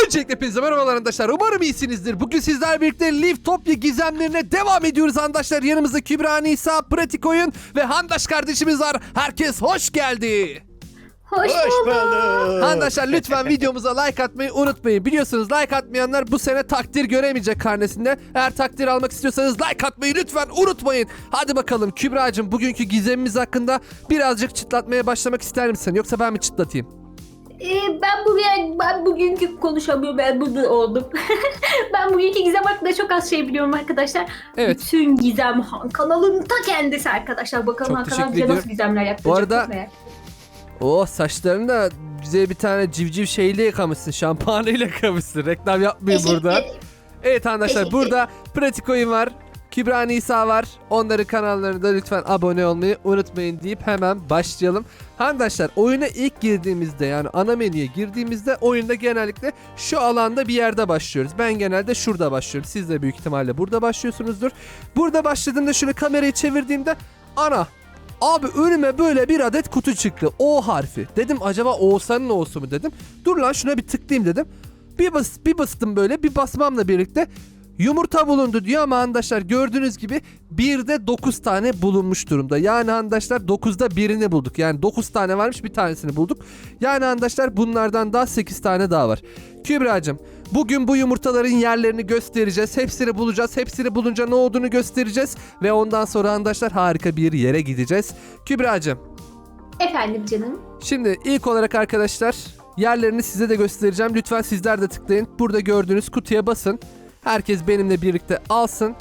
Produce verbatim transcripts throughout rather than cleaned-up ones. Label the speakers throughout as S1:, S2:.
S1: Öncelikle hepinize merhabalar arkadaşlar. Umarım iyisinizdir. Bugün sizlerle birlikte Liftopia gizemlerine devam ediyoruz arkadaşlar. Yanımızda Kübra, Nisa, Pratik Oyun ve Handaş kardeşimiz var. Herkes hoş geldi.
S2: Hoş,
S3: Hoş
S2: bulduk.
S3: bulduk.
S1: Arkadaşlar lütfen videomuza like atmayı unutmayın. Biliyorsunuz like atmayanlar bu sene takdir göremeyecek karnesinde. Eğer takdir almak istiyorsanız like atmayı lütfen unutmayın. Hadi bakalım Kübra'cığım, bugünkü gizemimiz hakkında birazcık çıtlatmaya başlamak ister misin? Yoksa ben mi çıtlatayım?
S2: Ee, ben bugün ben bugünkü konuşamıyorum, ben burada oldum. Ben bugünkü gizem hakkında çok az şey biliyorum arkadaşlar.
S1: Evet.
S2: Bütün gizem Han kanalının ta kendisi arkadaşlar. Bakalım
S1: Çok
S2: Han kanal
S1: teşekkür
S2: bize nasıl
S1: ediyorum.
S2: gizemler yapacak.
S1: Bu arada-
S2: çok merak.
S1: Oh, saçlarını da bize bir tane civciv şeyle yıkamışsın. Şampuanıyla yıkamışsın. Reklam yapmayayım
S2: Teşekkür
S1: burada.
S2: ederim.
S1: Evet arkadaşlar,
S2: Teşekkür
S1: burada Pratik Oyun var. Kübra, Nisa var. Onların kanallarına da lütfen abone olmayı unutmayın deyip hemen başlayalım. Arkadaşlar, oyuna ilk girdiğimizde, yani ana menüye girdiğimizde oyunda genellikle şu alanda bir yerde başlıyoruz. Ben genelde şurada başlıyorum. Siz de büyük ihtimalle burada başlıyorsunuzdur. Burada başladığımda şöyle kamerayı çevirdiğimde ana abi önüme böyle bir adet kutu çıktı. O harfi. Dedim acaba Oğuzhan'ın O'su mu dedim. Dur lan şuna bir tıklayayım dedim. Bir, bas, bir bastım böyle, bir basmamla birlikte yumurta bulundu diyor ama arkadaşlar gördüğünüz gibi birde dokuz tane bulunmuş durumda. Yani arkadaşlar dokuzda birini bulduk. Yani dokuz tane varmış, bir tanesini bulduk. Yani arkadaşlar bunlardan daha sekiz tane daha var. Kübra'cığım, bugün bu yumurtaların yerlerini göstereceğiz. Hepsini bulacağız. Hepsini bulunca ne olduğunu göstereceğiz. Ve ondan sonra arkadaşlar harika bir yere gideceğiz. Kübra'cığım,
S2: Efendim canım.
S1: şimdi ilk olarak arkadaşlar yerlerini size de göstereceğim. Lütfen sizler de tıklayın. Burada gördüğünüz kutuya basın. Herkes benimle birlikte alsın.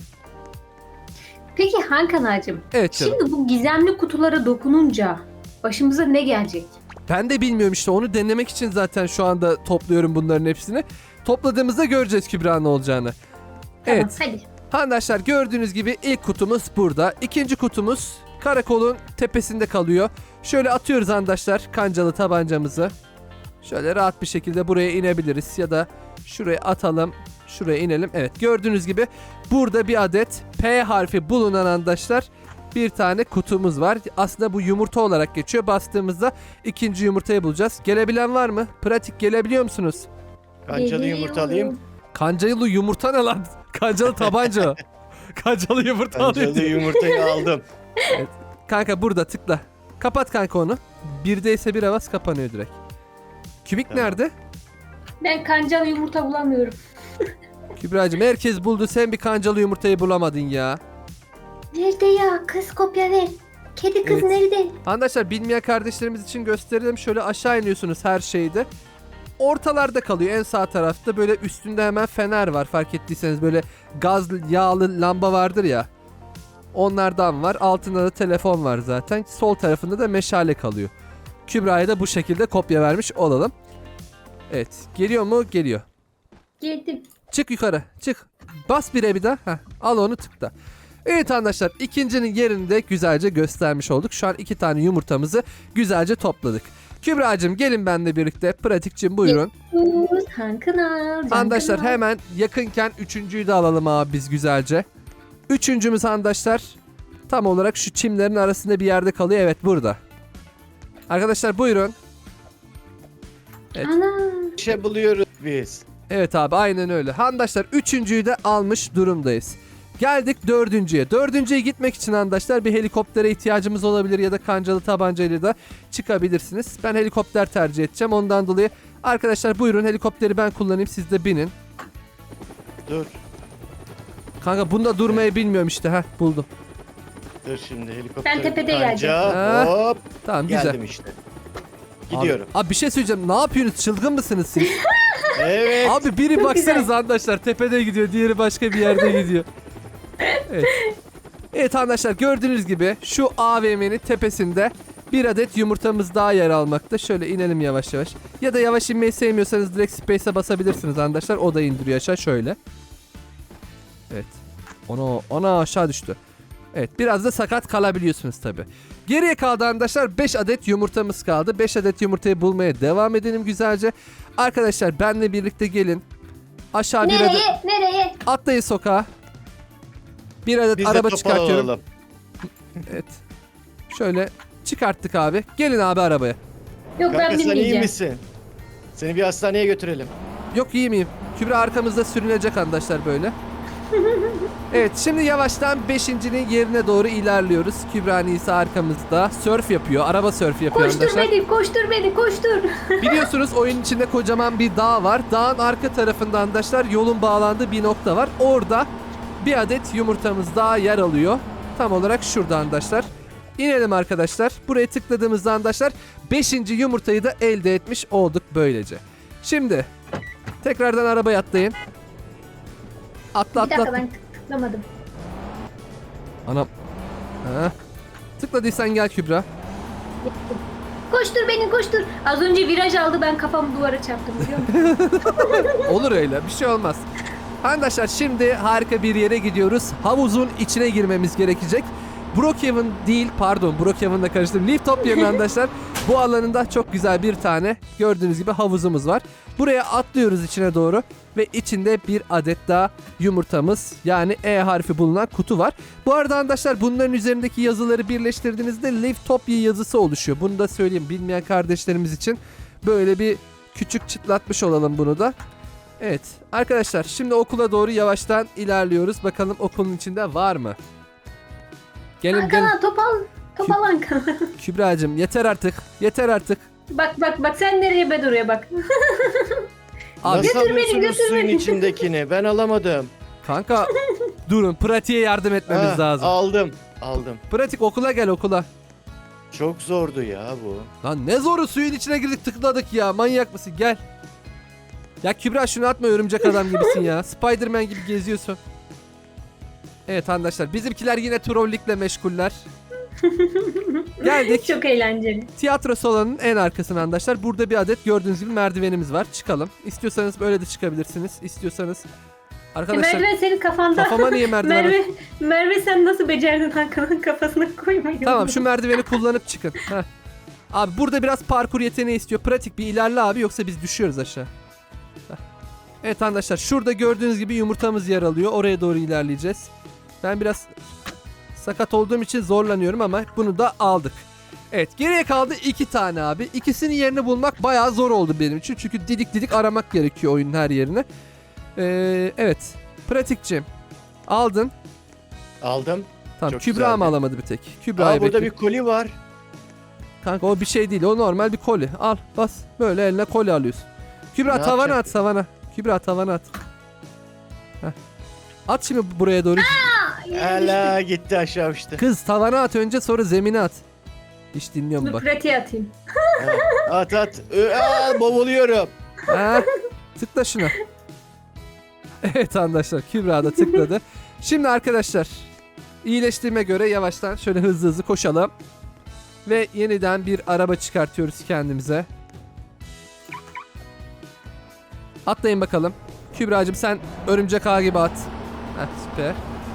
S2: Peki Han kanalcığım.
S1: Evet canım.
S2: Şimdi bu gizemli kutulara dokununca başımıza ne gelecek?
S1: Ben de bilmiyorum işte, onu denemek için zaten şu anda topluyorum bunların hepsini. Topladığımızda göreceğiz Kübra ne olacağını.
S2: Tamam,
S1: Evet.
S2: hadi.
S1: Arkadaşlar gördüğünüz gibi ilk kutumuz burada. İkinci kutumuz karakolun tepesinde kalıyor. Şöyle atıyoruz arkadaşlar kancalı tabancamızı. Şöyle rahat bir şekilde buraya inebiliriz ya da şuraya atalım. Şuraya inelim. Evet, gördüğünüz gibi burada bir adet P harfi bulunan arkadaşlar bir tane kutumuz var. Aslında bu yumurta olarak geçiyor. Bastığımızda ikinci yumurtayı bulacağız. Gelebilen var mı? Pratik, gelebiliyor musunuz?
S3: Kancalı yumurta alayım.
S1: Kancalı yumurta ne lan? Kancalı tabanca o. Kancalı yumurta
S3: Kancalı
S1: alayım.
S3: yumurtayı aldım.
S1: Kanka burada tıkla. Kapat kanka onu. Birdeyse bir avaz kapanıyor direkt. Kübik
S3: Tamam.
S1: nerede?
S2: Ben kancalı yumurta bulamıyorum.
S1: Kübra'cığım, herkes buldu, sen bir kancalı yumurtayı bulamadın ya.
S2: Nerede ya? Kız kopya ver. Kedi kız
S1: Evet.
S2: nerede?
S1: Arkadaşlar, bilmeyen kardeşlerimiz için gösterelim. Şöyle aşağı iniyorsunuz her şeyde. Ortalarda kalıyor, en sağ tarafta. Böyle üstünde hemen fener var, fark ettiyseniz. Böyle gaz yağlı lamba vardır ya. Onlardan var. Altında da telefon var zaten. Sol tarafında da meşale kalıyor. Kübra'ya da bu şekilde kopya vermiş olalım. Evet. Geliyor mu? Geliyor.
S2: Geldim.
S1: Çık yukarı. Çık. Bas bire bir daha. Heh, al onu, tıkla. Evet arkadaşlar, ikincinin yerini de güzelce göstermiş olduk. Şu an iki tane yumurtamızı güzelce topladık. Kübra'cığım, gelin benimle birlikte. Pratikçim buyurun.
S2: Sus, Han kanal. Can
S1: Arkadaşlar
S2: kanal.
S1: hemen yakınken üçüncüyü de alalım abi biz güzelce. Üçüncümüz arkadaşlar tam olarak şu çimlerin arasında bir yerde kalıyor. Evet, burada. Arkadaşlar buyurun. Evet.
S2: Ana.
S3: Bir şey buluyoruz biz.
S1: Evet abi, aynen öyle. Arkadaşlar üçüncüyü de almış durumdayız. Geldik dördüncüye. Dördüncüye gitmek için arkadaşlar bir helikoptere ihtiyacımız olabilir ya da kancalı tabancayla da çıkabilirsiniz. Ben helikopter tercih edeceğim, ondan dolayı. Arkadaşlar buyurun, helikopteri ben kullanayım, siz de binin.
S3: Dur.
S1: Kanka bunda durmayı bilmiyorum işte. Heh, buldum.
S3: Dur şimdi helikopter.
S2: Ben tepede
S3: kanca,
S1: geleceğim.
S3: Hop.
S1: Tamam, güzel.
S3: Geldim işte. Gidiyorum.
S1: Abi, abi bir şey söyleyeceğim. Ne yapıyorsunuz? Çılgın mısınız siz?
S3: Evet.
S1: Abi biri
S2: Çok
S1: baksanız
S2: güzel.
S1: arkadaşlar tepede gidiyor, diğeri başka bir yerde gidiyor. Evet. Evet arkadaşlar, gördüğünüz gibi şu A V M'nin tepesinde bir adet yumurtamız daha yer almakta. Şöyle inelim yavaş yavaş. Ya da yavaş inmeyi sevmiyorsanız direkt space'e basabilirsiniz arkadaşlar. O da indiriyor aşağı şöyle. Evet. Ona ona aşağı düştü. Evet, biraz da sakat kalabiliyorsunuz tabi. Geriye kaldı arkadaşlar, beş adet yumurtamız kaldı. beş adet yumurtayı bulmaya devam edelim güzelce. Arkadaşlar benle birlikte gelin. Aşağı bir adet
S2: Nereye? Nereye?
S1: atlayın sokağa. Bir adet
S3: Biz de
S1: araba
S3: topal
S1: çıkartıyorum.
S3: olalım.
S1: Evet. Şöyle çıkarttık abi. Gelin abi arabaya.
S2: Yok ben
S3: Kanka sen iyi
S2: bilmeyeceğim.
S3: misin? Seni bir hastaneye götürelim.
S1: Yok iyi miyim? Kübra arkamızda sürünecek arkadaşlar böyle. Evet şimdi yavaştan beşincinin yerine doğru ilerliyoruz. Kübra Nisa arkamızda. Sörf yapıyor. Araba sörfü yapıyor
S2: Koştur
S1: arkadaşlar.
S2: beni, koştur beni, koştur.
S1: Biliyorsunuz oyun içinde kocaman bir dağ var. Dağın arka tarafında arkadaşlar yolun bağlandığı bir nokta var. Orada bir adet yumurtamız daha yer alıyor. Tam olarak şurada arkadaşlar. İnelim arkadaşlar. Buraya tıkladığımızda arkadaşlar beşinci yumurtayı da elde etmiş olduk böylece. Şimdi tekrardan arabaya atlayın. Atla
S2: Bir
S1: atla.
S2: dakika
S1: atla.
S2: ben tıklamadım.
S1: Anam. Ha. Tıkladıysan gel Kübra.
S2: Koştur beni, koştur. Az önce viraj aldı, ben kafamı duvara çarptım biliyor musun?
S1: Olur öyle, bir şey olmaz. Arkadaşlar şimdi harika bir yere gidiyoruz. Havuzun içine girmemiz gerekecek. Brookhaven değil, pardon Brookhaven'la karıştırdım. Leaftopya'nın arkadaşlar bu alanında çok güzel bir tane gördüğünüz gibi havuzumuz var. Buraya atlıyoruz içine doğru ve içinde bir adet daha yumurtamız yani E harfi bulunan kutu var. Bu arada arkadaşlar bunların üzerindeki yazıları birleştirdiğinizde Leaftopia yazısı oluşuyor. Bunu da söyleyeyim bilmeyen kardeşlerimiz için böyle bir küçük çıtlatmış olalım bunu da. Evet arkadaşlar şimdi okula doğru yavaştan ilerliyoruz. Bakalım okulun içinde var mı? Gelin gelin.
S2: Ankara topal, topal Ankara.
S1: Kübra'cığım yeter artık. Yeter artık.
S2: Bak bak bak, sen nereye, ben oraya bak.
S1: Abi
S3: Nasıl
S2: Götür beni,
S3: alıyorsunuz
S2: götür
S3: suyun
S2: beni.
S3: içindekini? Ben alamadım.
S1: kanka durun pratiğe yardım etmemiz
S3: Ha,
S1: lazım.
S3: Aldım. Aldım.
S1: Pratik okula gel okula.
S3: Çok zordu ya bu.
S1: Lan ne zoru suyun içine girdik tıkladık ya manyak mısın gel. Ya Kübra şunu atma örümcek adam gibisin ya. Spiderman gibi geziyorsun. Evet arkadaşlar bizimkiler yine trollikle meşguller. Geldik.
S2: Çok eğlenceli.
S1: Tiyatro salonunun en arkasına arkadaşlar. Burada bir adet gördüğünüz gibi merdivenimiz var. Çıkalım. İstiyorsanız böyle de çıkabilirsiniz. İstiyorsanız arkadaşlar
S2: Merve senin kafanda.
S1: kafama niye merdiven?
S2: Merve, Merve sen nasıl becerdin Hakan'ın kafasına koymayı?
S1: Tamam şu merdiveni kullanıp çıkın. Heh. Abi burada biraz parkur yeteneği istiyor. Pratik bir ilerle abi yoksa biz düşüyoruz aşağı. Heh. Evet arkadaşlar şurada gördüğünüz gibi yumurtamız yer alıyor. Oraya doğru ilerleyeceğiz. Ben biraz sakat olduğum için zorlanıyorum ama bunu da aldık. Evet geriye kaldı iki tane abi. İkisinin yerini bulmak bayağı zor oldu benim için. Çünkü didik didik aramak gerekiyor oyunun her yerini. Ee, evet. Pratikçim. Aldın.
S3: Aldım.
S1: Tamam
S3: Çok
S1: Kübra mı
S3: güzeldi.
S1: alamadı bir tek?
S3: Aa,
S1: Kübra'yı
S3: burada
S1: bekliyorum.
S3: bir koli var.
S1: Kanka o bir şey değil. O normal bir koli. Al bas. Böyle eline koli alıyorsun. Kübra
S3: Ne
S1: tavana
S3: yapacak?
S1: at tavana. Kübra tavana at. Heh. At şimdi buraya doğru.
S3: Hala gitti aşağı işte.
S1: Kız tavana at önce sonra zemine at. Hiç dinliyor mu
S2: Dur
S1: bak.
S2: pratiğe atayım.
S3: Ha, at at. Ö, Aa, boğuluyorum.
S1: Ha, tıkla şuna. Evet arkadaşlar Kübra da tıkladı. Şimdi arkadaşlar iyileştiğime göre yavaştan şöyle hızlı hızlı koşalım. Ve yeniden bir araba çıkartıyoruz kendimize. Atlayın bakalım. Kübra'cığım sen örümcek ağı gibi at. Heh, süper.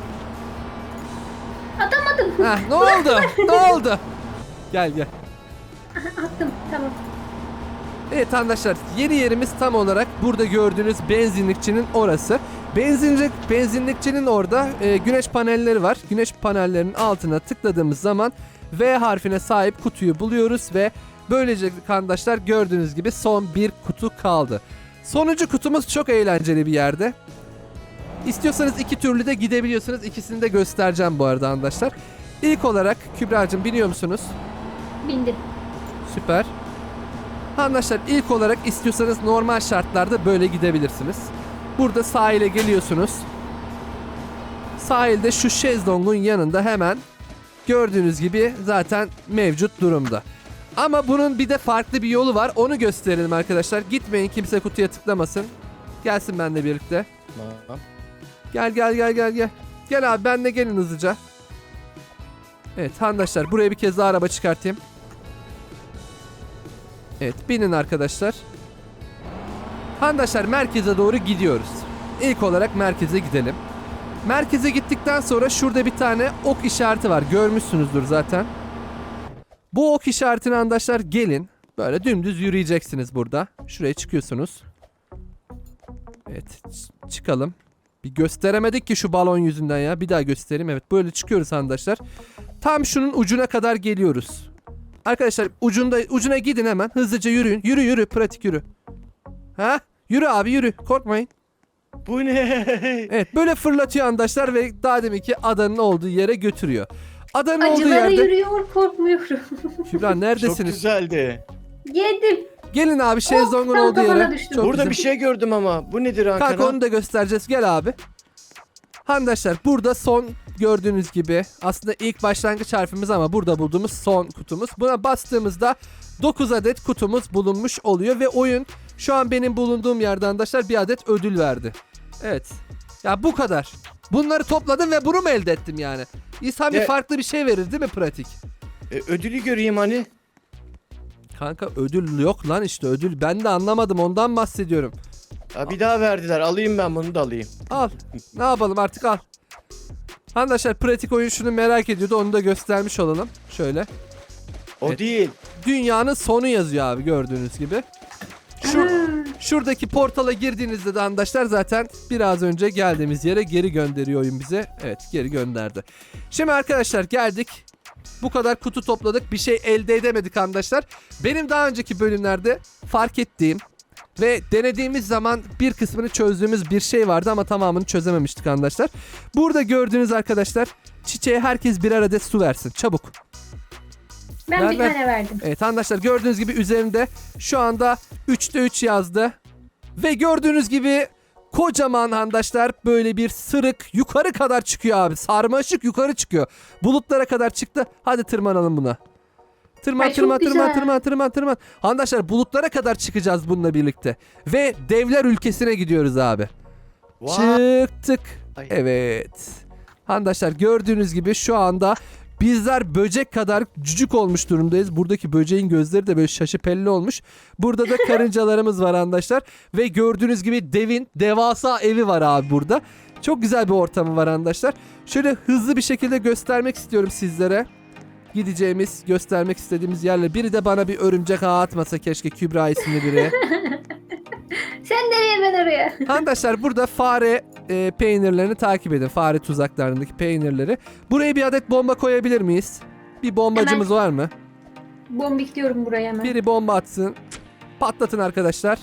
S2: Atamadım.
S1: Heh, ne oldu? Ne oldu? Gel gel.
S2: Attım, tamam.
S1: Evet arkadaşlar yeni yerimiz tam olarak burada gördüğünüz benzinlikçinin orası. Benzinlik, benzinlikçinin orada e, güneş panelleri var. Güneş panellerinin altına tıkladığımız zaman V harfine sahip kutuyu buluyoruz ve böylece arkadaşlar gördüğünüz gibi son bir kutu kaldı. Sonuncu kutumuz çok eğlenceli bir yerde. İstiyorsanız iki türlü de gidebiliyorsunuz. İkisini de göstereceğim bu arada arkadaşlar. İlk olarak Kübra'cığım biliyor musunuz?
S2: Bindim.
S1: Süper. Arkadaşlar ilk olarak istiyorsanız normal şartlarda böyle gidebilirsiniz. Burada sahile geliyorsunuz. Sahilde şu şezlongun yanında hemen gördüğünüz gibi zaten mevcut durumda. Ama bunun bir de farklı bir yolu var. Onu gösterelim arkadaşlar. Gitmeyin kimse kutuya tıklamasın. Gelsin benimle birlikte.
S3: Tamam.
S1: Gel gel gel gel gel. Gel abi benle gelin hızlıca. Evet arkadaşlar buraya bir kez daha araba çıkartayım. Evet binin arkadaşlar. Arkadaşlar merkeze doğru gidiyoruz. İlk olarak merkeze gidelim. Merkeze gittikten sonra şurada bir tane ok işareti var. Görmüşsünüzdür zaten. Bu ok işaretine arkadaşlar gelin. Böyle dümdüz yürüyeceksiniz burada. Şuraya çıkıyorsunuz. Evet ç- çıkalım. Bir gösteremedik ki şu balon yüzünden ya. Bir daha göstereyim. Evet böyle çıkıyoruz arkadaşlar. Tam şunun ucuna kadar geliyoruz. Arkadaşlar ucunda ucuna gidin hemen. Hızlıca yürüyün. Yürü yürü pratik yürü. Ha? Yürü abi yürü. Korkmayın.
S3: Bu ne?
S1: Evet böyle fırlatıyor arkadaşlar ve daha deminki adanın olduğu yere götürüyor. Adanın olduğu
S2: Acılara
S1: yerde...
S2: yürüyor, korkmuyorum.
S1: Kübra
S3: Çok
S1: neredesiniz?
S3: güzeldi.
S2: Yedim.
S1: Gelin abi şezlongun
S2: tam
S1: olduğu
S2: kafana
S1: yere.
S2: düştüm.
S1: Çok
S3: Burada
S1: güzel.
S3: bir şey gördüm ama. Bu nedir Hakan?
S1: Kanka onu da göstereceğiz. Gel abi. Arkadaşlar burada son gördüğünüz gibi aslında ilk başlangıç harfimiz ama burada bulduğumuz son kutumuz. Buna bastığımızda dokuz adet kutumuz bulunmuş oluyor ve oyun şu an benim bulunduğum yerde arkadaşlar bir adet ödül verdi. Evet. Ya bu kadar. Bunları topladım ve bunu mu elde ettim yani? İnsan bir
S3: Ne?
S1: farklı bir şey verir değil mi pratik?
S3: E, ödülü göreyim hani.
S1: Kanka ödül yok lan işte ödül. Ben de anlamadım ondan bahsediyorum.
S3: Ha, bir daha verdiler. Alayım ben bunu da alayım.
S1: Al. Ne yapalım artık al. Arkadaşlar pratik oyun şunu merak ediyordu. Onu da göstermiş olalım. Şöyle.
S3: O
S1: Evet.
S3: değil.
S1: Dünyanın sonu yazıyor abi gördüğünüz gibi. Şu, şuradaki portala girdiğinizde de arkadaşlar zaten biraz önce geldiğimiz yere geri gönderiyor oyun bize. Evet geri gönderdi. Şimdi arkadaşlar geldik. Bu kadar kutu topladık. Bir şey elde edemedik arkadaşlar. Benim daha önceki bölümlerde fark ettiğim ve denediğimiz zaman bir kısmını çözdüğümüz bir şey vardı ama tamamını çözememiştik arkadaşlar. Burada gördüğünüz arkadaşlar çiçeğe herkes birer adet su versin. Çabuk.
S2: Ben
S1: Ver,
S2: bir
S1: ver.
S2: tane verdim.
S1: Evet arkadaşlar gördüğünüz gibi üzerinde şu anda üçte üç yazdı. Ve gördüğünüz gibi kocaman arkadaşlar böyle bir sırık yukarı kadar çıkıyor abi. Sarmaşık yukarı çıkıyor. Bulutlara kadar çıktı. Hadi tırmanalım buna. Tırman
S2: Ay, çok
S1: tırman tırman
S2: güzel.
S1: tırman tırman tırman. Arkadaşlar bulutlara kadar çıkacağız bununla birlikte. Ve devler ülkesine gidiyoruz abi.
S3: Vay.
S1: Çıktık.
S3: Ay.
S1: Evet. Arkadaşlar gördüğünüz gibi şu anda bizler böcek kadar cücük olmuş durumdayız. Buradaki böceğin gözleri de böyle şaşı pelli olmuş. Burada da karıncalarımız var arkadaşlar. Ve gördüğünüz gibi devin devasa evi var abi burada. Çok güzel bir ortamı var arkadaşlar. Şöyle hızlı bir şekilde göstermek istiyorum sizlere. Gideceğimiz, göstermek istediğimiz yerler. Biri de bana bir örümcek ağı atmasa keşke, Kübra isimli biri.
S2: Sen nereye ben oraya?
S1: Arkadaşlar burada fare e, peynirlerini takip edin. Fare tuzaklarındaki peynirleri. Buraya bir adet bomba koyabilir miyiz? Bir bombacımız var mı?
S2: Bombikliyorum buraya hemen.
S1: Biri bomba atsın. Patlatın arkadaşlar.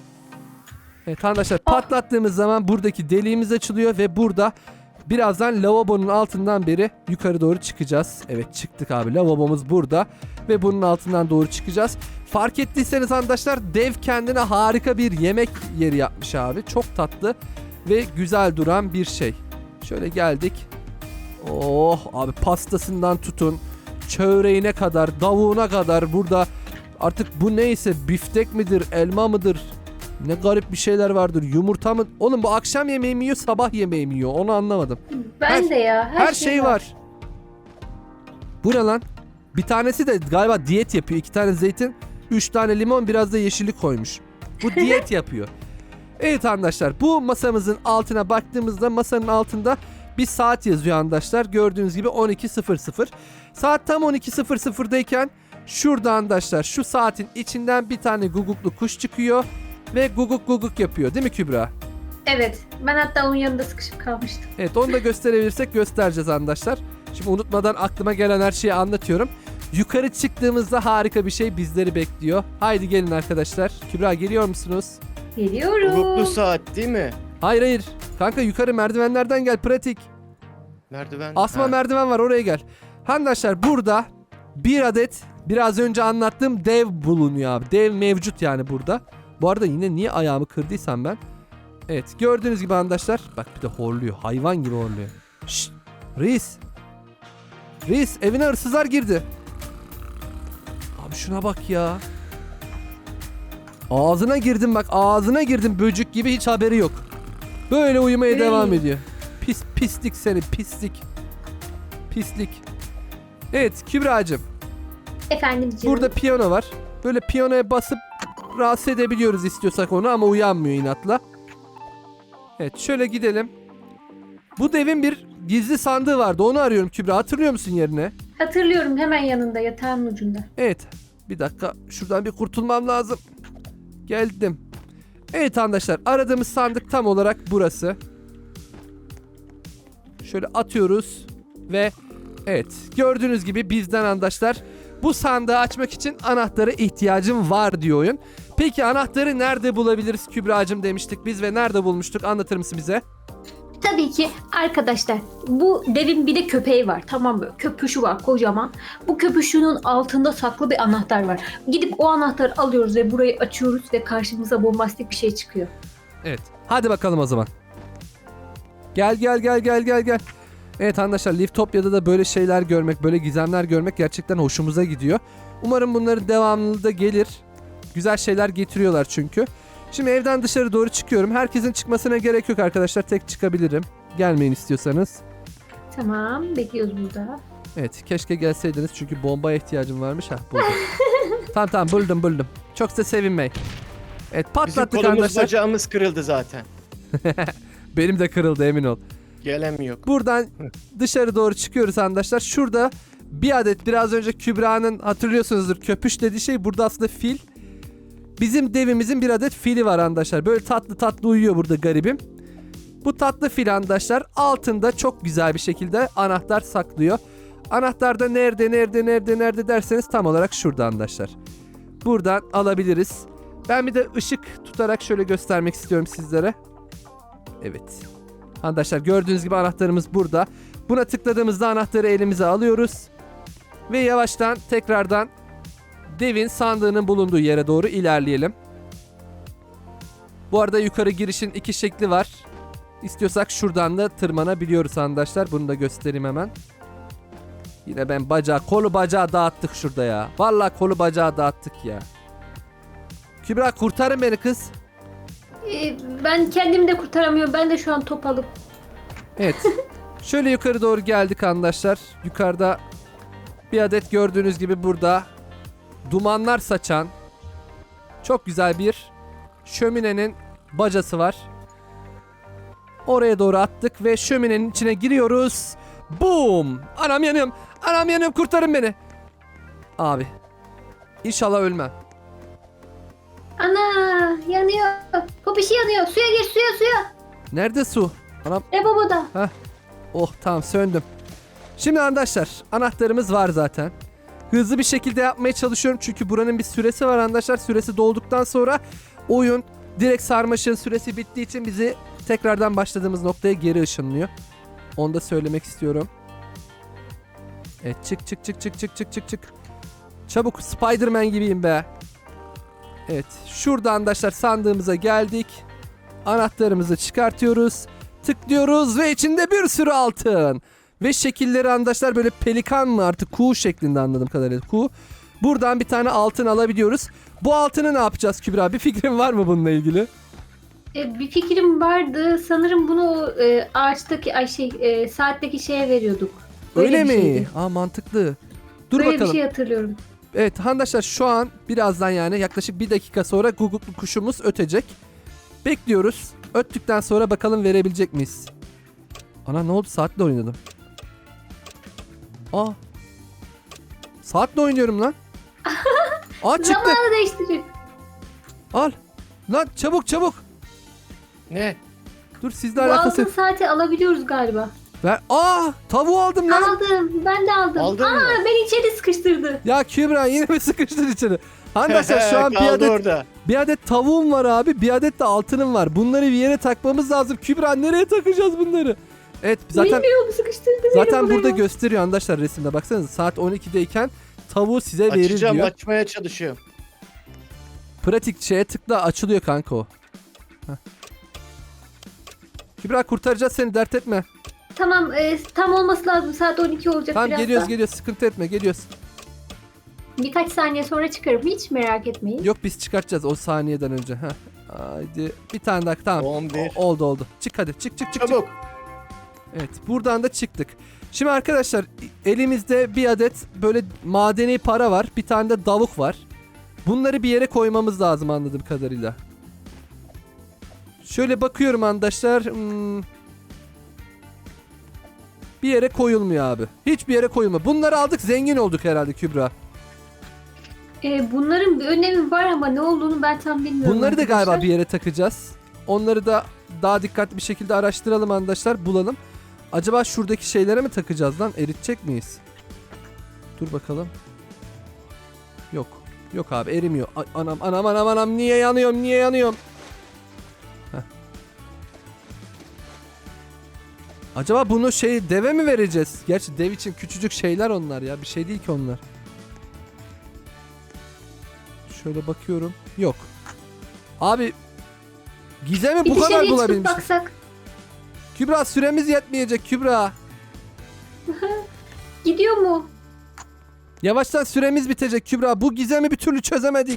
S1: Evet arkadaşlar
S2: Ah.
S1: patlattığımız zaman buradaki deliğimiz açılıyor ve burada birazdan lavabonun altından beri yukarı doğru çıkacağız. Evet çıktık abi, lavabomuz burada ve bunun altından doğru çıkacağız. Fark ettiyseniz arkadaşlar dev kendine harika bir yemek yeri yapmış abi. Çok tatlı ve güzel duran bir şey. Şöyle geldik. Oh abi, pastasından tutun çöreğine kadar, davuğuna kadar burada artık bu neyse, biftek midir, elma mıdır? Ne garip bir şeyler vardır. Yumurta mı? Oğlum bu akşam yemeği mi yiyor, sabah yemeği mi yiyor? Onu anlamadım.
S2: Ben
S1: Her-
S2: de ya. Her,
S1: Her şey var. Bu ne lan? Bir tanesi de galiba diyet yapıyor. İki tane zeytin, üç tane limon, biraz da yeşillik koymuş. Bu diyet yapıyor. Evet arkadaşlar, bu masamızın altına baktığımızda masanın altında bir saat yazıyor arkadaşlar. Gördüğünüz gibi on iki sıfır sıfır. Saat tam on iki sıfır sıfırdayken şurada arkadaşlar şu saatin içinden bir tane guguklu kuş çıkıyor ve guguk guguk yapıyor değil mi Kübra?
S2: Evet. Ben hatta onun yanında sıkışıp kalmıştım.
S1: Evet, onu da gösterebilirsek göstereceğiz arkadaşlar. Şimdi unutmadan aklıma gelen her şeyi anlatıyorum. Yukarı çıktığımızda harika bir şey bizleri bekliyor. Haydi gelin arkadaşlar. Kübra geliyor musunuz?
S2: Geliyorum.
S3: Bulutlu saat değil mi?
S1: Hayır hayır. Kanka yukarı merdivenlerden gel, pratik.
S3: Merdiven.
S1: Asma
S3: Ha.
S1: merdiven var, oraya gel. Arkadaşlar burada bir adet biraz önce anlattığım dev bulunuyor abi. Dev mevcut yani burada. Bu arada yine niye ayağımı kırdıysam ben. Evet gördüğünüz gibi arkadaşlar. Bak bir de horluyor. Hayvan gibi horluyor. Şşt. Reis. Reis, evine hırsızlar girdi. Abi şuna bak ya. Ağzına girdim bak, ağzına girdim böcük gibi, hiç haberi yok. Böyle uyumaya
S2: Hey.
S1: devam ediyor. Pis pislik seni, pislik. Pislik. Evet Kübra'cığım,
S2: Efendim canım.
S1: burada piyano var. Böyle piyanoya basıp rahatsız edebiliyoruz istiyorsak onu, ama uyanmıyor inatla. Evet şöyle gidelim. Bu devin bir gizli sandığı vardı, onu arıyorum Kübra, hatırlıyor musun yerine?
S2: Hatırlıyorum, hemen yanında, yatağın ucunda.
S1: Evet bir dakika, şuradan bir kurtulmam lazım. Geldim. Evet arkadaşlar, aradığımız sandık tam olarak burası. Şöyle atıyoruz ve evet gördüğünüz gibi bizden arkadaşlar bu sandığı açmak için anahtara ihtiyacım var diyor oyun. Peki anahtarı nerede bulabiliriz Kübra'cığım demiştik biz ve nerede bulmuştuk? Anlatır mısın bize?
S2: Tabii ki arkadaşlar, bu devin bir de köpeği var, tamam mı? Köpüşü var kocaman. Bu köpüşünün altında saklı bir anahtar var. Gidip o anahtarı alıyoruz ve burayı açıyoruz ve karşımıza bombastik bir şey çıkıyor.
S1: Evet. Hadi bakalım o zaman. Gel gel gel gel gel gel. Evet arkadaşlar, Liftopya'da da böyle şeyler görmek, böyle gizemler görmek gerçekten hoşumuza gidiyor. Umarım bunların devamlı da gelir. Güzel şeyler getiriyorlar çünkü. Şimdi evden dışarı doğru çıkıyorum. Herkesin çıkmasına gerek yok arkadaşlar. Tek çıkabilirim. Gelmeyin istiyorsanız.
S2: Tamam, bekliyoruz burada.
S1: Evet, keşke gelseydiniz çünkü bombaya ihtiyacım varmış. Hah, buldum. Tamam tamam, buldum buldum. Çok da sevinmeyin. Evet,
S3: Bizim
S1: patlattık
S3: kolumuz
S1: arkadaşlar.
S3: bacağımız kırıldı zaten.
S1: Benim de kırıldı, emin ol.
S3: Gelemiyor.
S1: Buradan dışarı doğru çıkıyoruz arkadaşlar. Şurada bir adet, biraz önce Kübra'nın hatırlıyorsunuzdur köpüş dediği şey, burada aslında fil. Bizim devimizin bir adet fili var arkadaşlar. Böyle tatlı tatlı uyuyor burada garibim. Bu tatlı fil arkadaşlar altında çok güzel bir şekilde anahtar saklıyor. Anahtar da nerede nerede nerede nerede derseniz tam olarak şurada arkadaşlar. Buradan alabiliriz. Ben bir de ışık tutarak şöyle göstermek istiyorum sizlere. Evet. Arkadaşlar gördüğünüz gibi anahtarımız burada. Buna tıkladığımızda anahtarı elimize alıyoruz. Ve yavaştan tekrardan devin sandığının bulunduğu yere doğru ilerleyelim. Bu arada yukarı girişin iki şekli var. İstiyorsak şuradan da tırmanabiliyoruz arkadaşlar. Bunu da göstereyim hemen. Yine ben bacağı, kolu bacağı dağıttık şurada ya. Vallahi kolu bacağı dağıttık ya. Kübra kurtarın beni kız.
S2: Ee, ben kendimi de kurtaramıyorum. Ben de şu an top alıp.
S1: Evet. Şöyle yukarı doğru geldik arkadaşlar. Yukarıda bir adet gördüğünüz gibi burada dumanlar saçan çok güzel bir şöminenin bacası var. Oraya doğru attık ve şöminenin içine giriyoruz. Boom! Anam yanıyorum. Anam yanıyorum, kurtarın beni. Abi. İnşallah ölmem.
S2: Ana, yanıyor. Bu bir şey yanıyor. Suya gir, suya suya.
S1: Nerede su? Anam.
S2: E baba da.
S1: Oh tamam, söndüm. Şimdi arkadaşlar anahtarımız var zaten. Hızlı bir şekilde yapmaya çalışıyorum çünkü buranın bir süresi var arkadaşlar. Süresi dolduktan sonra oyun direkt sarmaşığın süresi bittiği için bizi tekrardan başladığımız noktaya geri ışınlıyor. Onu da söylemek istiyorum. Evet, çık çık çık çık çık çık çık çık. Çabuk, Spider-Man gibiyim be. Evet, şurada arkadaşlar sandığımıza geldik. Anahtarımızı çıkartıyoruz. Tıklıyoruz ve içinde bir sürü altın. Ve şekilleri arkadaşlar böyle pelikan mı artık, kuğu şeklinde anladığım kadarıyla kuğu. Buradan bir tane altın alabiliyoruz. Bu altını ne yapacağız Kübra? Bir fikrin var mı bununla ilgili?
S2: E, bir fikrim vardı. Sanırım bunu e, ağaçtaki, ay şey, e, saatteki şeye veriyorduk. Böyle
S1: Öyle
S2: bir
S1: mi?
S2: şeydi.
S1: Aa, mantıklı. Dur
S2: Böyle
S1: bakalım.
S2: bir şey hatırlıyorum.
S1: Evet arkadaşlar, şu an birazdan yani yaklaşık bir dakika sonra guguklu kuşumuz ötecek. Bekliyoruz. Öttükten sonra bakalım verebilecek miyiz? Ana, ne oldu? Saatle oynadım. Aa. Saatle oynuyorum lan. Aa, çıktı.
S2: Zamanı değiştirecek.
S1: Al. Lan çabuk çabuk.
S3: Ne?
S1: Dur, sizle
S2: Bu
S1: alakası.
S2: altın saati alabiliyoruz galiba.
S1: Ver. Aa, tavuğu aldım lan.
S2: Aldım. Ben de aldım.
S3: Aldın
S2: Aa,
S3: mı?
S2: beni içeri sıkıştırdı.
S1: Ya Kübra, yine mi sıkıştın içeri? Arkadaşlar şu an bir
S3: Kaldı
S1: adet
S3: orada.
S1: bir adet tavuğum var abi, bir adet de altınım var. Bunları bir yere takmamız lazım. Kübra, nereye takacağız bunları? Evet, zaten
S2: Bilmiyorum, sıkıştırdı beni
S1: zaten
S2: buraya.
S1: burada gösteriyor arkadaşlar resimde. Baksanıza, saat on ikideyken tavuğu size verir
S3: Açacağım,
S1: diyor.
S3: açmaya çalışıyorum.
S1: Pratik şeye tıkla, açılıyor kanka o. Heh. Kübra, kurtaracağız seni, dert etme.
S2: Tamam, e, tam olması lazım. Saat on iki olacak
S1: Tamam,
S2: biraz
S1: geliyoruz
S2: da.
S1: geliyoruz, sıkıntı etme, geliyoruz.
S2: Birkaç saniye sonra çıkarım. Hiç merak etmeyin.
S1: Yok, biz çıkartacağız o saniyeden önce. Heh. Haydi bir tane daha, tamam.
S3: on bir.
S1: O- oldu oldu. Çık hadi, çık çık çık. çık.
S3: Çabuk.
S1: Evet, buradan da çıktık. Şimdi arkadaşlar elimizde bir adet böyle madeni para var. Bir tane de davuk var. Bunları bir yere koymamız lazım anladığım kadarıyla. Şöyle bakıyorum arkadaşlar. Hmm. Bir yere koyulmuyor abi. Hiçbir yere koyulmuyor. Bunları aldık, zengin olduk herhalde Kübra.
S2: E, bunların bir önemi var ama ne olduğunu ben tam bilmiyorum.
S1: Bunları da
S2: arkadaşlar.
S1: galiba bir yere takacağız. Onları da daha dikkatli bir şekilde araştıralım arkadaşlar, bulalım. Acaba şuradaki şeylere mi takacağız lan? Eritecek miyiz? Dur bakalım. Yok. Yok abi erimiyor. Ay, anam anam anam anam niye yanıyorum niye yanıyorum? Heh. Acaba bunu şey deve mi vereceğiz? Gerçi dev için küçücük şeyler onlar ya. Bir şey değil ki onlar. Şöyle bakıyorum. Yok. Abi Gizem'i
S2: Bir
S1: bu kadar
S2: dışarıya çıkıp
S1: bulabilmiş.
S2: baksak.
S1: Kübra süremiz yetmeyecek Kübra.
S2: Gidiyor mu?
S1: Yavaştan süremiz bitecek Kübra. Bu gizemi bir türlü çözemedik.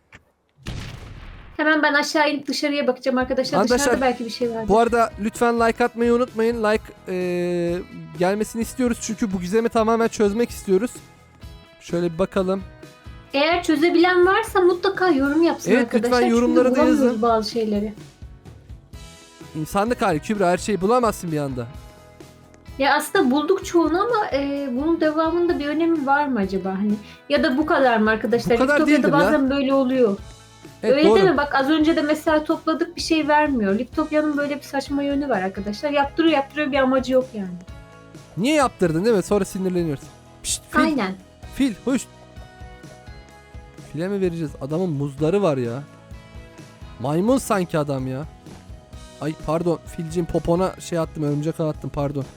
S2: Hemen ben aşağı inip dışarıya bakacağım arkadaşlar.
S1: Arkadaşlar,
S2: Dışarıda belki bir şey vardır.
S1: Bu arada lütfen like atmayı unutmayın. Like eee, gelmesini istiyoruz çünkü bu gizemi tamamen çözmek istiyoruz. Şöyle bir bakalım.
S2: Eğer çözebilen varsa mutlaka yorum yapsın
S1: Evet,
S2: arkadaşlar.
S1: lütfen yorumları
S2: Çünkü
S1: da
S2: bulamıyoruz
S1: yazın.
S2: bazı şeyleri.
S1: İnsanlık hali Kübra, her şeyi bulamazsın bir anda.
S2: Ya aslında bulduk çoğunu ama e, bunun devamında bir önemi var mı acaba? Hani ya da bu kadar mı arkadaşlar?
S1: Bu kadar
S2: Liftopya'da
S1: değildir ya.
S2: bazen böyle oluyor.
S1: Evet,
S2: Öyle
S1: doğru.
S2: değil mi? Bak az önce de mesela topladık bir şey vermiyor. Liftopya'nın böyle bir saçma yönü var arkadaşlar. Yaptırıyor yaptırıyor bir amacı yok yani.
S1: Niye yaptırdın değil mi? Sonra sinirleniyoruz. Pişt, fil,
S2: Aynen.
S1: fil, hoş. File mi vereceğiz? Adamın muzları var ya. Maymun sanki adam ya. Ay pardon, filcin popona şey attım, örümcek ağ attım, pardon.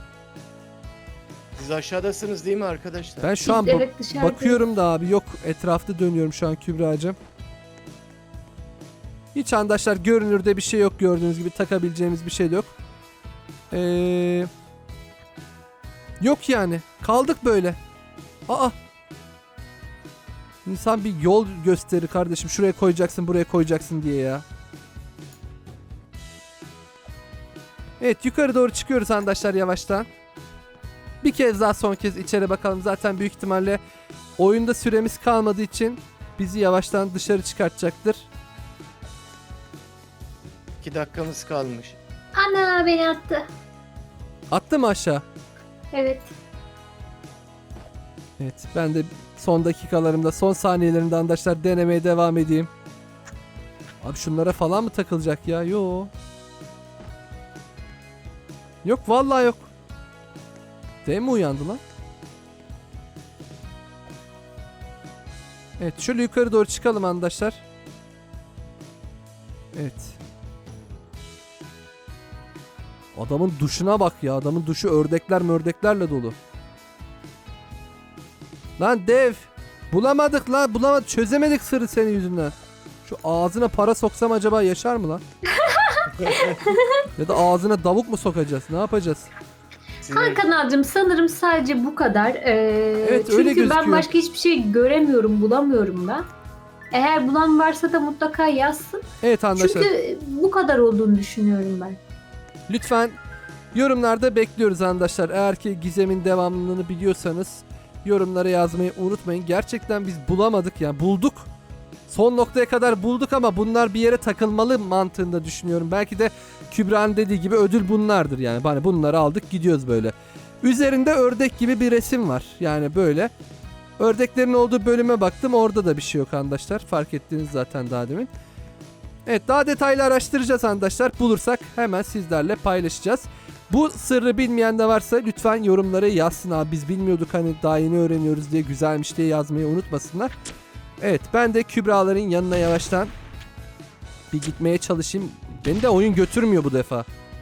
S3: Siz aşağıdasınız değil mi arkadaşlar?
S1: Ben şu an
S2: Biz
S1: bak-
S2: evet dışarıda.
S1: bakıyorum da abi yok, etrafta dönüyorum şu an Kübra'cığım. Hiç arkadaşlar görünürde bir şey yok, gördüğünüz gibi takabileceğimiz bir şey de yok. Ee, yok yani, kaldık böyle. Aa. İnsan bir yol gösterir kardeşim, şuraya koyacaksın buraya koyacaksın diye ya. Evet, yukarı doğru çıkıyoruz arkadaşlar yavaştan. Bir kez daha son kez içeri bakalım. Zaten büyük ihtimalle oyunda süremiz kalmadığı için bizi yavaştan dışarı çıkartacaktır.
S3: İki dakikamız kalmış.
S2: Ana beni attı.
S1: Attı mı aşağı?
S2: Evet.
S1: Evet, ben de son dakikalarımda, son saniyelerimde arkadaşlar denemeye devam edeyim. Abi şunlara falan mı takılacak ya? Yo. Yok vallahi yok. Dev mi uyandı lan? Evet, şöyle yukarı doğru çıkalım arkadaşlar. Evet. Adamın duşuna bak ya. Adamın duşu ördekler mördeklerle dolu. Lan dev. Bulamadık lan. Bulamadık. Çözemedik sırrı senin yüzünden. Şu ağzına para soksam acaba yaşar mı lan? Ya da ağzına davuk mu sokacağız? Ne yapacağız?
S3: Sizin-
S2: Hakan abicim sanırım sadece bu kadar. Ee,
S1: Evet,
S2: çünkü
S1: öyle gözüküyor.
S2: ben başka hiçbir şey göremiyorum, bulamıyorum da. Eğer bulan varsa da mutlaka yazsın.
S1: Evet arkadaşlar.
S2: Çünkü bu kadar olduğunu düşünüyorum ben.
S1: Lütfen yorumlarda bekliyoruz arkadaşlar. Eğer ki gizemin devamlılığını biliyorsanız yorumlara yazmayı unutmayın. Gerçekten biz bulamadık yani, bulduk. Son noktaya kadar bulduk ama bunlar bir yere takılmalı mantığında düşünüyorum. Belki de Kübra'nın dediği gibi ödül bunlardır yani. Hani bunları aldık gidiyoruz böyle. Üzerinde ördek gibi bir resim var. Yani böyle. Ördeklerin olduğu bölüme baktım. Orada da bir şey yok arkadaşlar. Fark ettiniz zaten daha demin. Evet, daha detaylı araştıracağız arkadaşlar. Bulursak hemen sizlerle paylaşacağız. Bu sırrı bilmeyen de varsa lütfen yorumlara yazsın abi. Biz bilmiyorduk, hani daha yeni öğreniyoruz diye, güzelmiş diye yazmayı unutmasınlar. Evet, ben de Kübra'ların yanına yavaştan bir gitmeye çalışayım. Beni de oyun götürmüyor bu defa.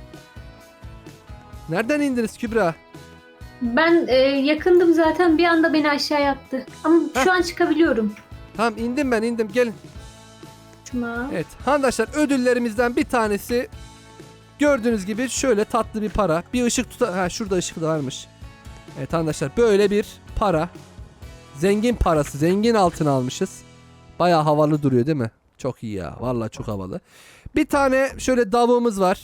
S1: Nereden indiniz Kübra?
S2: Ben e, yakındım zaten, bir anda beni aşağıya attı. Ama şu an çıkabiliyorum.
S1: Tamam, indim ben indim, gelin.
S2: Cuma.
S1: Evet arkadaşlar, ödüllerimizden bir tanesi gördüğünüz gibi şöyle tatlı bir para. Bir ışık tuta... Ha, şurada ışık da varmış. Evet arkadaşlar, böyle bir para. Zengin parası, zengin altın almışız. Bayağı havalı duruyor değil mi? Çok iyi ya, vallahi çok havalı. Bir tane şöyle davuğumuz var.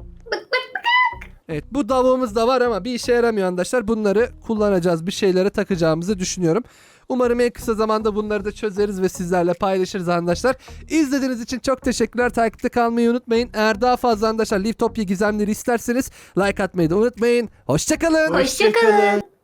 S1: Evet, bu davuğumuz da var ama bir işe yaramıyor arkadaşlar. Bunları kullanacağız, bir şeylere takacağımızı düşünüyorum. Umarım en kısa zamanda bunları da çözeriz ve sizlerle paylaşırız arkadaşlar. İzlediğiniz için çok teşekkürler. Takipte kalmayı unutmayın. Eğer daha fazla arkadaşlar Liftopya gizemleri isterseniz like atmayı da unutmayın. Hoşçakalın.
S2: Hoşçakalın.